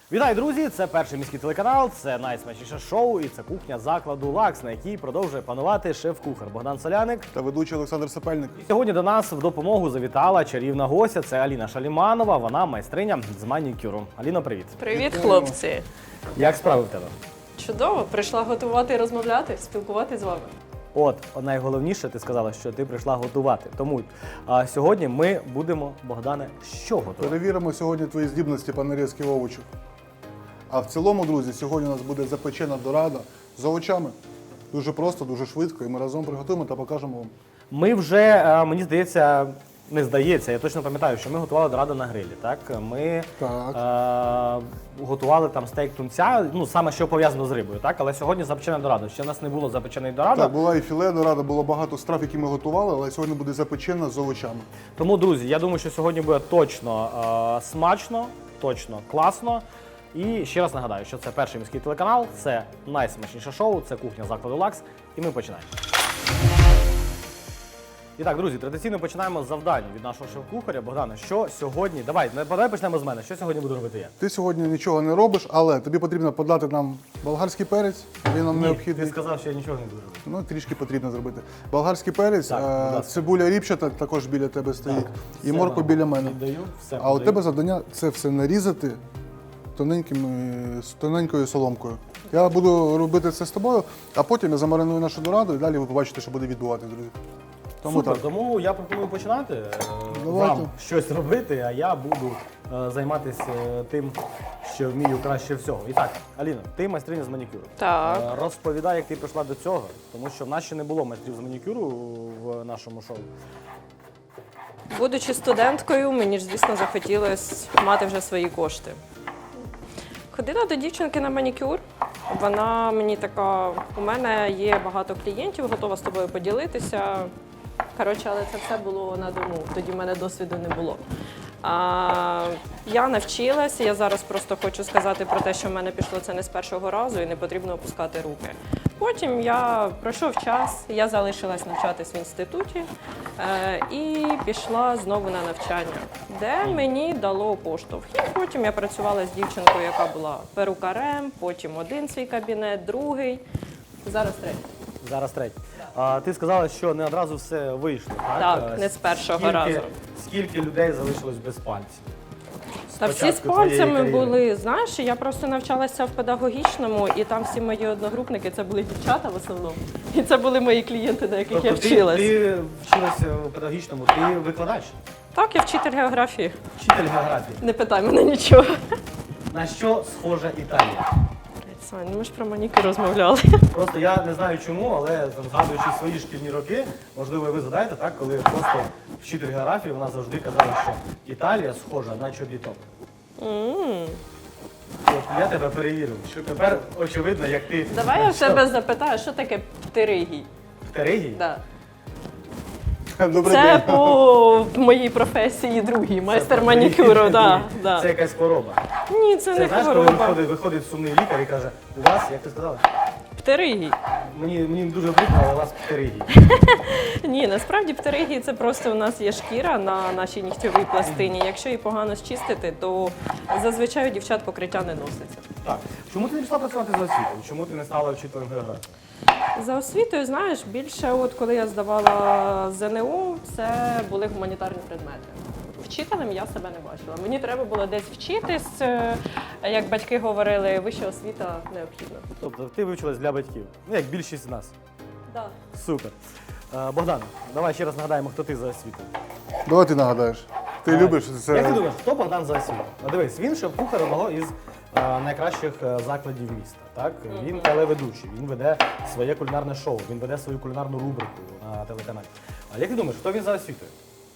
Вітаю, друзі! Це перший міський телеканал, це найсмачніше шоу і це кухня закладу «Лакс», на якій продовжує панувати шеф-кухар Богдан Соляник та ведучий Олександр Сапельник. І сьогодні до нас в допомогу завітала чарівна гостя. Це Аліна Шаліманова, вона майстриня з манікюру. Аліно, привіт! Привіт, хлопці! Як справи в тебе? Чудово! Прийшла готувати і розмовляти, спілкуватися з вами. От, найголовніше, ти сказала, що ти прийшла готувати. Тому сьогодні ми будемо, Богдане, що готувати? Перевіримо сьогодні твої здібності по нарізці овочів. А в цілому, друзі, сьогодні у нас буде запечена дорада з овочами. Дуже просто, дуже швидко, і ми разом приготуємо та покажемо вам. Ми вже, мені здається, не здається, я точно пам'ятаю, що ми готували дораду на грилі, так? Ми готували там стейк тунця, ну, саме що пов'язано з рибою, так? Але сьогодні запечена дорада. Ще в нас не було запеченої доради. Так, була і філе дорада, було багато страв, які ми готували, але сьогодні буде запечена з овочами. Тому, друзі, я думаю, що сьогодні буде точно смачно, точно класно. І ще раз нагадаю, що це перший міський телеканал, це найсмачніше шоу, це кухня закладу «Лакс», і ми починаємо. І так, друзі, традиційно починаємо з завдань від нашого шеф-кухаря. Богдане, що сьогодні? Давай почнемо з мене. Що сьогодні буду робити я? Ти сьогодні нічого не робиш, але тобі потрібно подати нам болгарський перець, він нам необхідний. Ти сказав, що я нічого не буду робити. Ну, трішки потрібно зробити. Болгарський перець, Так, цибуля ріпчата також біля тебе стоїть, і морква біля мене. Віддаю, все А у тебе завдання це все нарізати тоненькою соломкою. Я буду робити це з тобою, а потім я замариную нашу дораду і далі ви побачите, що буде відбуватися, друзі. Супер, тому я пропоную починати Давайте. вам щось робити, а я буду займатися тим, що вмію краще всього. І так, Аліна, ти майстриня з манікюру. Так. Розповідай, як ти прийшла до цього, тому що в нас ще не було майстрів з манікюру в нашому шоу. Будучи студенткою, мені ж, звісно, захотілося мати вже свої кошти. Ходила до дівчинки на манікюр. Вона мені така, у мене є багато клієнтів, готова з тобою поділитися. Коротше, але це все було на дому, тоді в мене досвіду не було. Я навчилася, я зараз просто хочу сказати про те, що в мене пішло це не з першого разу і не потрібно опускати руки. Потім пройшов час, я залишилась навчатись в інституті і пішла знову на навчання, де мені дало поштовх. І потім я працювала з дівчинкою, яка була перукарем, потім один свій кабінет, другий, зараз третій. Зараз третій. Ти сказала, що не одразу все вийшло, так? Так, не з першого разу. Скільки людей залишилось без пальців? Та всі з пальцями були, знаєш, я просто навчалася в педагогічному, і там всі мої одногрупники, це були дівчата в основному, і це були мої клієнти, на яких я вчилась. Ти вчилася в педагогічному, ти викладач? Так, я вчитель географії. Вчитель географії. Не питай мене нічого. На що схожа Італія? Сань, ми ж про манікюр розмовляли. Просто я не знаю чому, але там, згадуючи свої шкільні роки, можливо, ви згадаєте, так, коли просто вчитель географії, вона завжди казала, що Італія схожа на чобіток. От я тебе перевірив, що тепер очевидно, як ти... Давай я в тебе запитаю, що таке птеригій? Птеригій? Да. Добрий Це день. по моїй професії другий, майстер манікюру. Да. Це якась хвороба. Ні, це не Знаєш, коли хвороба. виходить сумний лікар і каже, у вас, як ти сказала? Птеригій. Мені дуже прикро, але у вас птеригій. Ні, насправді птеригії – це просто у нас є шкіра на нашій нігтьовій пластині. Якщо її погано зчистити, то зазвичай у дівчат покриття не носиться. Так. Чому ти не пішла працювати за освітою? Чому ти не стала вчителем географії? За освітою, знаєш, більше от коли я здавала ЗНО, це були гуманітарні предмети. Вчителем я себе не бачила. Мені треба було десь вчитись, як батьки говорили, вища освіта необхідна. Тобто ти вивчилась для батьків, ну як більшість з нас. Да. Супер. Богдан, давай ще раз нагадаємо, хто ти за освітою. Давай ти нагадаєш. Ти любиш це. Як ти думаєш, хто Богдан за освітою? Ну, дивись, він шеф-кухар одного із найкращих закладів міста. Так? Він телеведучий, він веде своє кулінарне шоу, він веде свою кулінарну рубрику на телеканалі. А як ти думаєш, хто він за освітою?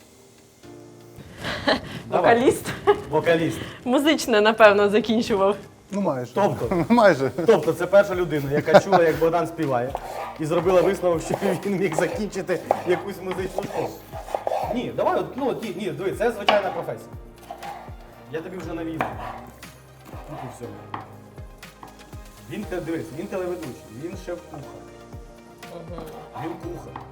Вокаліст. Вокаліст. Музичне, напевно, закінчував. Ну майже. Тобто? Майже. Тобто це перша людина, яка чула, як Богдан співає, і зробила висновок, що він міг закінчити якусь музичну школу. Ні, давай, ні, дивись, це звичайна професія. Я тобі вже навів. Тут і все. Дивись, він телеведучий, він шеф-кухар. Він кухар.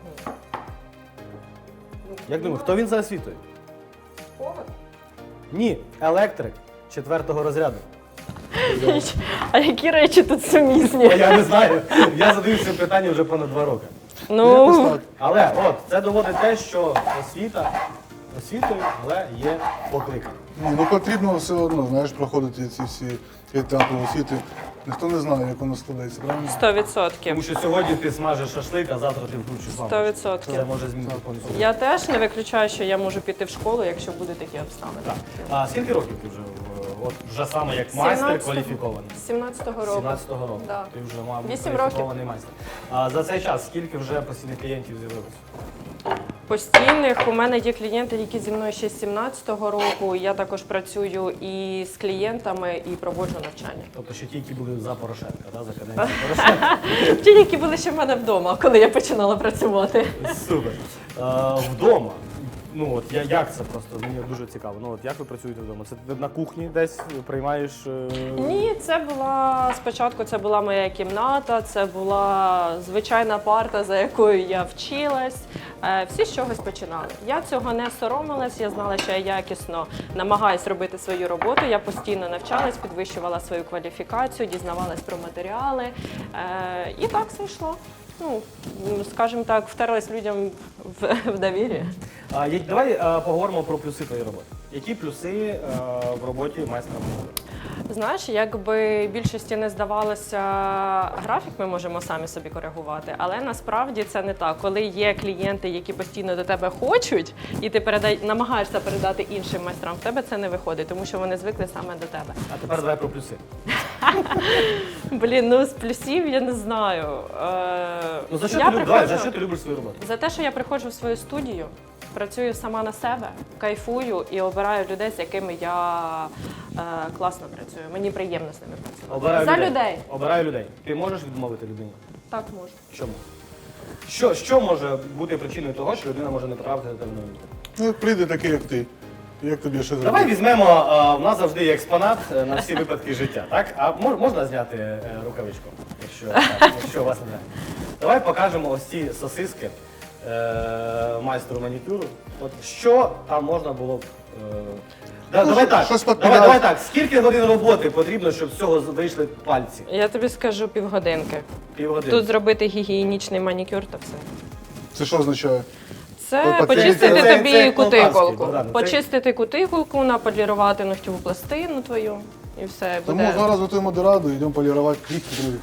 Як думаєш, хто він за освітою? Повар? Ні, електрик 4-го розряду. А які речі тут сумісні? Я не знаю. Я задаю це питання вже понад 2 роки. Якось Ну, так. Але от це доводить те, що освіта освітою, але є покликання. Ні, ну потрібно все одно, знаєш, проходити ці всі етапи освіти. Ніхто не знає, як воно складається, правильно? 100%. Тому що сьогодні ти смажеш шашлик, а завтра ти вкручиш лампу. 100%. Це може змінити повністю. Я теж не виключаю, що я можу піти в школу, якщо будуть такі обставини. Так. А скільки років ти вже, от вже саме як майстер 17-го. кваліфікований? З 17-го року. 17-го року. Да. Ти вже мав 8 кваліфікований майстер. А за цей час скільки вже постійних клієнтів з'явилося? Постійних у мене є клієнти, які зі мною ще з 17-го року. Я також працюю і з клієнтами, і проводжу навчання. Тобто ще ті, які були за Порошенка, да? За каденцію Порошенка. Ті, які були ще в мене вдома, коли я починала працювати. Супер. Вдома. Ну от як це просто? Мені дуже цікаво. Ну от як ви працюєте вдома? Це ти на кухні десь приймаєш? Ні, це була спочатку. Це була моя кімната, це була звичайна парта, за якою я вчилась. Всі з чогось починали. Я цього не соромилась. Я знала, що я якісно намагаюсь робити свою роботу. Я постійно навчалась, підвищувала свою кваліфікацію, дізнавалась про матеріали. І так все йшло. Ну, скажімо так, втерлась людям в довір'я. Давай поговоримо про плюси твоєї роботи. Які плюси в роботі майстра моди? Знаєш, якби більшості не здавалося, графік ми можемо самі собі коригувати, але насправді це не так. Коли є клієнти, які постійно до тебе хочуть, і ти намагаєшся передати іншим майстрам, в тебе це не виходить, тому що вони звикли саме до тебе. А тепер давай про плюси. Блін, ну з плюсів я не знаю. Ну за що, Я за що ти любиш свою роботу? За те, що я приходжу в свою студію, працюю сама на себе, кайфую і обираю людей, з якими я класно працюю. Мені приємно з ними працювати. За людей. Обираю людей. Ти можеш відмовити людині? Так можу. Чому? Що може бути причиною того, що людина може не потрапити до тебе на роботу? Ну, прийде такий, як ти. Як тобі ще зробити? Давай візьмемо, в нас завжди є експонат на всі випадки життя, так? А можна зняти рукавичку, якщо у вас немає? Давай покажемо ось ці сосиски майстру манікюру. От що там можна було б... Давай так, щось давай так. Скільки годин роботи потрібно, щоб з цього вийшли пальці? Я тобі скажу півгодинки. Півгодини. Тут зробити гігієнічний манікюр та все. Це що означає? Це Це- почистити це тобі полтавський, кутикулку. Богдан, це- Почистити кутикулку, наполірувати ногтєву пластину твою і все Тому буде. зараз готуємо до раду, йдемо полірувати клітки, друзі.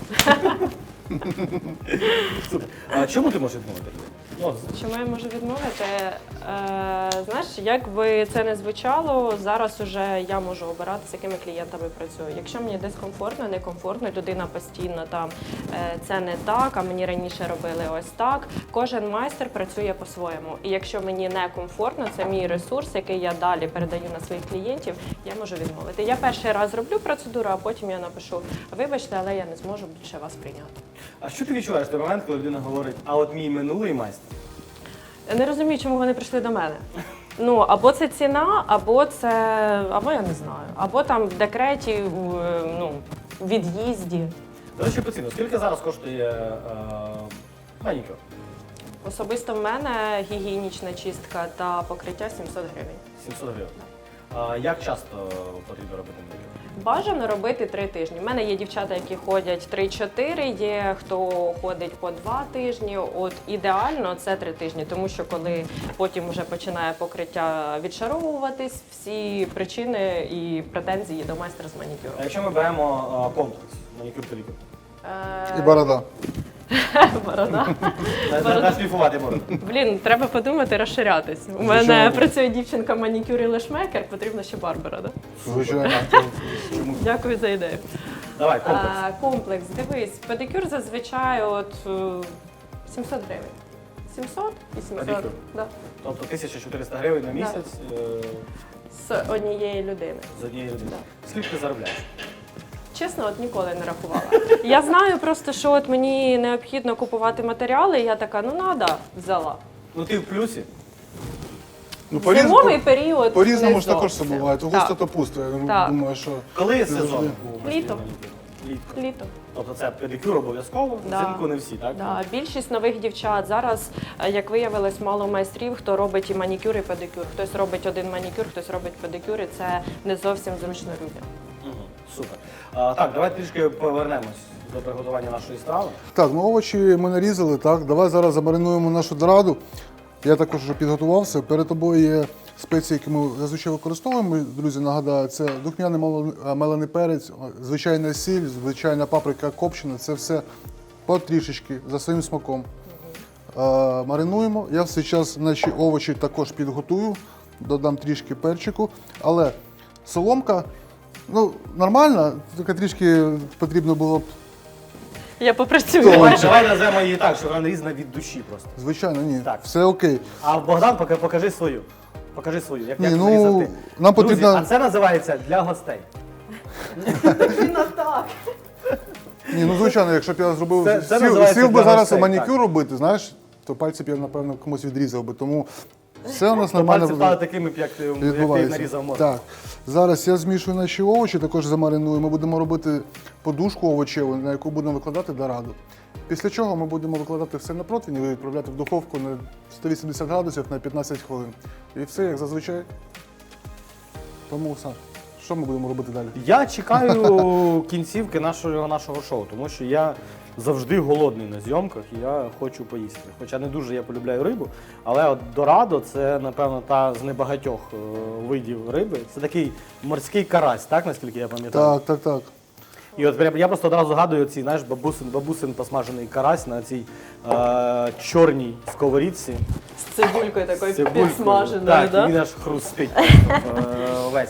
Супер. А чому ти можеш відмовити? Ну, Чому я можу відмовити? Знаєш, як би це не звучало, зараз уже я можу обирати, з якими клієнтами працюю. Якщо мені десь комфортно, некомфортно, людина постійно там це не так, а мені раніше робили ось так. Кожен майстер працює по-своєму. І якщо мені не комфортно, це мій ресурс, який я далі передаю на своїх клієнтів, я можу відмовити. Я перший раз зроблю процедуру, а потім я напишу: вибачте, але я не зможу більше вас прийняти. а що ти відчуваєш в той момент, коли людина говорить, а от мій минулий майстер? Я не розумію, чому вони прийшли до мене. Ну, або це ціна, або я не знаю, або там в декреті, ну, від'їзді. До речі, по ціну, скільки зараз коштує манікюр? Особисто в мене гігієнічна чистка та покриття 700 гривень. 700 гривень. А як часто потрібно робити манікюр? Бажано робити 3 тижні. У мене є дівчата, які ходять 3-4, є хто ходить по 2 тижні. От ідеально це 3 тижні, тому що коли потім вже починає покриття відшаровуватись, всі причини і претензії до майстра з манікюру. А якщо ми беремо комплекс, манікюр педикюр? І борода. Борода. Нашліфувати бороду. Блін, треба подумати, розширятись. У мене Звичайно. працює дівчинка манікюр і лешмейкер, потрібно ще Барбара, да? Звичайно. Чому? Дякую за ідею. Давай, комплекс. Комплекс, дивись, педикюр зазвичай от 700 гривень. 700 і 700. Педикюр? Да. Тобто 1400 гривень на місяць З однієї людини. з однієї людини. Да. Скільки ти заробляєш? Чесно, от ніколи не рахувала. Я знаю просто, що от мені необхідно купувати матеріали, і я така, ну надо, взяла. Ну ти в плюсі? Ну, Зимовий період. по-різному не ж також зовсім. все буває. То Так. густо, то пусто. Я Так. думаю, що Коли сезон завжди. у майстрів Літо. манікюру? Літко. Літо. Тобто це педикюр обов'язково, Да. взимку не всі, так? Да, більшість нових дівчат зараз, як виявилось, мало майстрів, хто робить і манікюр, і педикюр. Хтось робить один манікюр, хтось робить педикюр, і це не зовсім зручно людям. Угу. Супер. Так, давай трішки повернемось до приготування нашої страви. Так, ну овочі ми нарізали, так. Давай зараз замаринуємо нашу дораду. Я також вже підготувався. Перед тобою є спеції, які ми зазвичай використовуємо. Друзі, нагадаю, це духмяний мелений перець, звичайна сіль, звичайна паприка копчена. Це все потрішечки за своїм смаком. Маринуємо. Я в цей час наші овочі також підготую, додам трішки перчику. Але соломка, ну, нормальна, тільки трішки потрібно було б. Я попрацюю. Давай назвемо її так, що вона різна від душі просто. Звичайно, ні. Так. Все окей. А Богдан, покажи свою. Покажи свою. Як Ні, як ну, нарізати. нам Друзі, потрібно- а це називається для гостей. Ні, ну звичайно, якщо б я зробив Це називається сів би для зараз гостей, манікюр так. робити, знаєш, то пальці б я, напевно, комусь відрізав би. Тому все у нас То нормально пальці стали такими, як ти їх відбувається. нарізав мозок. Так, зараз я змішую наші овочі, також замариную. Ми будемо робити подушку овочеву, на яку будемо викладати дораду. Після чого ми будемо викладати все на противень і відправляти в духовку на 180 градусів на 15 хвилин. І все, як зазвичай. Тому все. Що ми будемо робити далі? Я чекаю кінцівки нашого шоу, тому що я завжди голодний на зйомках і я хочу поїсти. Хоча не дуже я полюбляю рибу, але от дорадо це, напевно, та з небагатьох видів риби. Це такий морський карась, так, наскільки я пам'ятаю? Так. І от я просто одразу згадую цей, знаєш, бабусин посмажений карась на цій чорній сковорідці. З цибулькою такою З цибулькою. підсмаженою, Так, да? і він аж хрустить весь.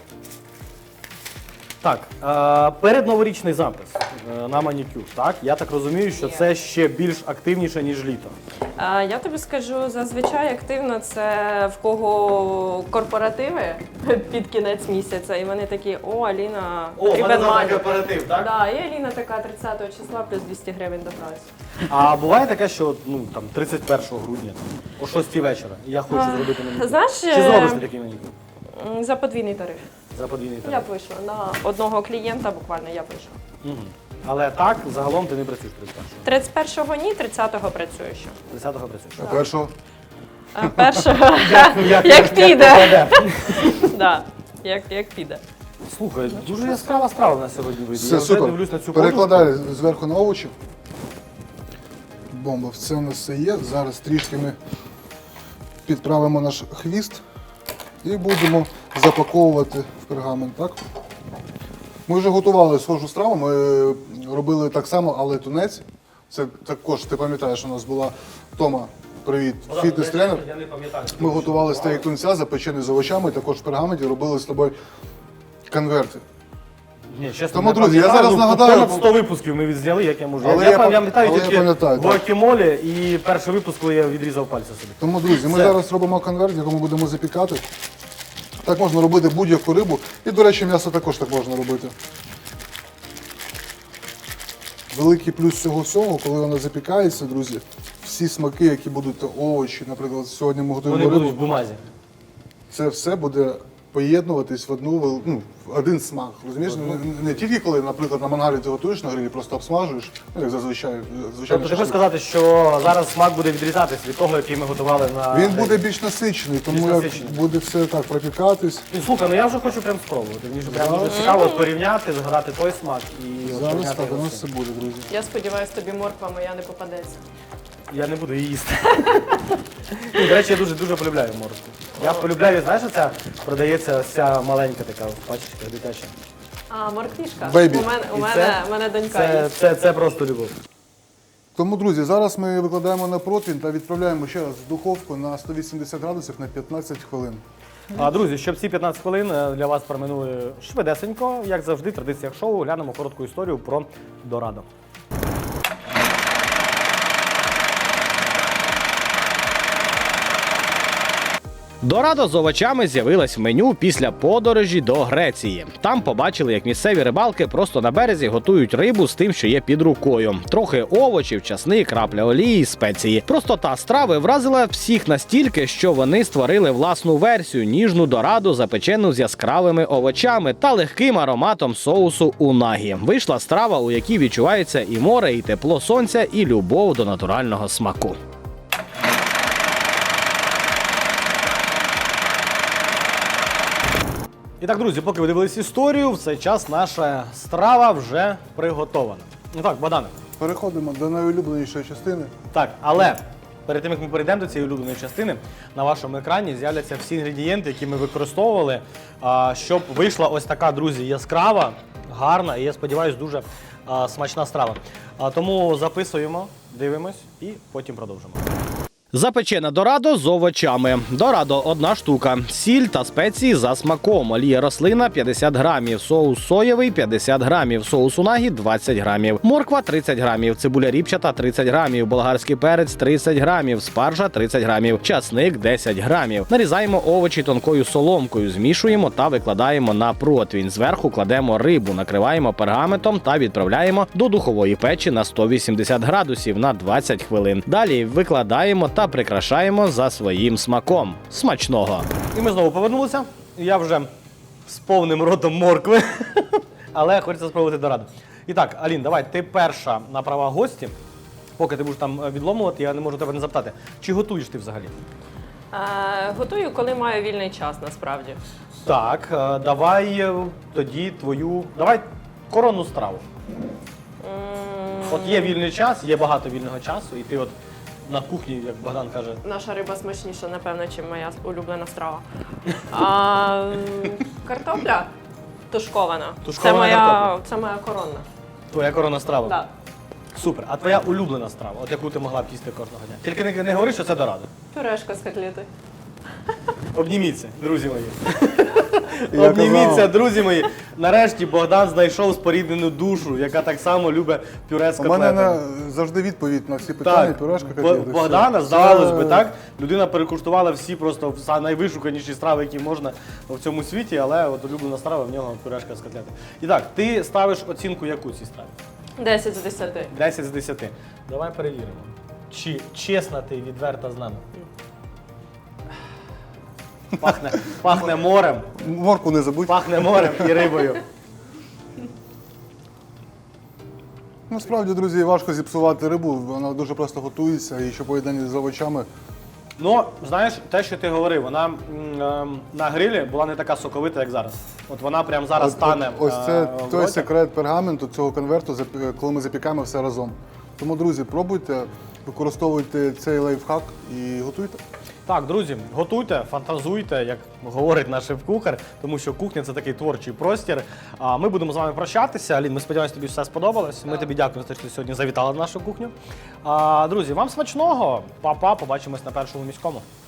Так, передноворічний запис на манікюр, так? Я так розумію, що це ще більш активніше, ніж літо. Я тобі скажу, зазвичай активно це в кого корпоративи під кінець місяця, і вони такі, о, Аліна, потрібен манік. корпоратив, так? Да, і Аліна така 30 числа плюс 200 гривень до праці. А буває таке, що ну, там, 31 грудня, о 6 вечора, і я хочу зробити манікюр. Знаєш, Чи зробиш ти такий манікюр? За подвійний тариф. За подвійний Я тариф? б вийшла на одного клієнта, буквально я б вийшла. Угу. Але так, загалом ти не працюєш 31-го. 31-го ні, 30-го працюю ще. 30-го працюєш. А першого? А першого, як піде. Да, як піде. Слухай, дуже яскрава справа в нас сьогодні вийде. Все Я вже супер. дивлюсь на цю Перекладаю зверху на овочі. Бомба, все у нас все є. Зараз трішки ми підправимо наш хвіст і будемо запаковувати в пергамент. Так? Ми вже готували схожу страву, ми робили так само, але тунець. Це також, ти пам'ятаєш, у нас була Тома, привіт, фітнес-тренер. Я не пам'ятаю. Ми готували стейк тунця, запечений з овочами, також в пергаменті робили з тобою конверти. Ні, чесно, Тому, не друзі, я пам'ятаю. зараз Ну, нагадаю- понад 100 випусків ми відзняли, як я можу. Але я я пам'ятаю але я тільки пам'ятаю, так. гуакамоле і перший випуск, коли я відрізав пальця собі. Тому, друзі, ми Все. зараз робимо конверт, в якому будемо запікати. Так можна робити будь-яку рибу. І, до речі, м'ясо також так можна робити. Великий плюс цього всього, коли воно запікається, друзі, всі смаки, які будуть овочі, наприклад, сьогодні ми готуємо Вони будуть рибу, в бумазі. це все буде поєднуватись в в один смак. Розумієш? Не тільки коли, наприклад, на мангалі ти готуєш на грилі, просто обсмажуєш, ну, як зазвичай. Тобто ти хочеш сказати, що зараз смак буде відрізатись від того, який ми готували на... Він буде більш насичений, тому Більш як насичений. буде все так пропікатись. Ну, слухай, ну я вже хочу прям спробувати. Мені ж прям дуже цікаво от порівняти, згадати той смак і от Зараз порівняти так, у його нас з все цим. буде, друзі. Я сподіваюся, тобі морква моя не попадеться. Я не буду її їсти. Ну, до речі, я дуже полюбляю морозку. Я полюбляю, знаєш, оця продається ця маленька така пачечка дитяча. А, морквішка? Бейбі. У І мене донька є. це просто любов. Тому, друзі, зараз ми викладаємо на противень та відправляємо ще раз в духовку на 180 градусів на 15 хвилин. А, друзі, щоб ці 15 хвилин для вас проминули швидесенько, як завжди, в традиціях шоу, глянемо коротку історію про дорадо. Дорадо з овочами з'явилась в меню після подорожі до Греції. Там побачили, як місцеві рибалки просто на березі готують рибу з тим, що є під рукою. Трохи овочів, часник, крапля олії, спеції. Простота страви вразила всіх настільки, що вони створили власну версію – ніжну дораду, запечену з яскравими овочами та легким ароматом соусу унагі. Вийшла страва, у якій відчувається і море, і тепло сонця, і любов до натурального смаку. І І так, друзі, поки ви дивились історію, в цей час наша страва вже приготована. Ну так, Богдане. Переходимо до найулюбленішої частини. Так, але перед тим, як ми перейдемо до цієї улюбленої частини, на вашому екрані з'являться всі інгредієнти, які ми використовували, щоб вийшла ось така, друзі, яскрава, гарна і, я сподіваюся, дуже смачна страва. Тому записуємо, дивимось і потім продовжимо. Запечене дорадо з овочами. Дорадо – 1 штука. Сіль та спеції за смаком. Олія рослина – 50 грамів. Соус соєвий – 50 грамів. Соус унагі – 20 грамів. Морква – 30 грамів. Цибуля ріпчата – 30 грамів. Болгарський перець – 30 грамів. Спаржа – 30 грамів. Часник – 10 грамів. Нарізаємо овочі тонкою соломкою, змішуємо та викладаємо на противень. Зверху кладемо рибу, накриваємо пергаментом та відправляємо до духової печі на 180 градусів на 20 хвилин. Далі викладаємо та прикрашаємо за своїм смаком. Смачного! І ми знову повернулися. Я вже з повним ротом моркви, але хочеться спробувати дорадо. І так, Алін, давай, ти перша на права гості. Поки ти будеш там відломувати, я не можу тебе не запитати. Чи готуєш ти взагалі? Готую, коли маю вільний час, насправді. Так, давай тоді давай коронну страву. От є вільний час, є багато вільного часу, і ти от на кухні, як Богдан каже. Наша риба смачніша, напевно, ніж моя улюблена страва. Картопля тушкована. Тушкована картопля. Це моя коронна. Твоя коронна страва? Так. Супер. А твоя улюблена страва, от яку ти могла б їсти кожного дня? Тільки не говори, що це дорадо. Пюрешка з котлети. Обніміться, друзі мої. Я Обніміться, казав. друзі мої. Нарешті Богдан знайшов споріднену душу, яка так само любить пюре з У котлетами. мене завжди відповідь на всі питання, пюрешка, котлети. Богдана, Все. здавалось Це- би, так? Людина перекуштувала всі просто найвишуканіші страви, які можна в цьому світі, але от улюблена страва в нього пюрешка з котлети. І так, ти ставиш оцінку яку цій страві? 10 з 10. 10 з 10. Давай перевіримо. Чи чесна ти і відверта з нами? Пахне морем, Морку не забудь. пахне морем і рибою. Насправді, друзі, важко зіпсувати рибу, вона дуже просто готується і що поєднання з овочами. Ну, знаєш, те, що ти говорив, вона на грилі була не така соковита, як зараз. От вона прямо зараз стане. Ось це в той роті. секрет пергаменту, цього конверту, коли ми запікаємо все разом. Тому, друзі, пробуйте, використовуйте цей лайфхак і готуйте. Так, друзі, готуйте, фантазуйте, як говорить наш шеф-кухар, тому що кухня – це такий творчий простір. А ми будемо з вами прощатися. Алін, ми сподіваємося, тобі все сподобалось. Ми тобі дякуємо за те, що ти сьогодні завітала на нашу кухню. Друзі, вам смачного. Па-па, побачимось на першому міському.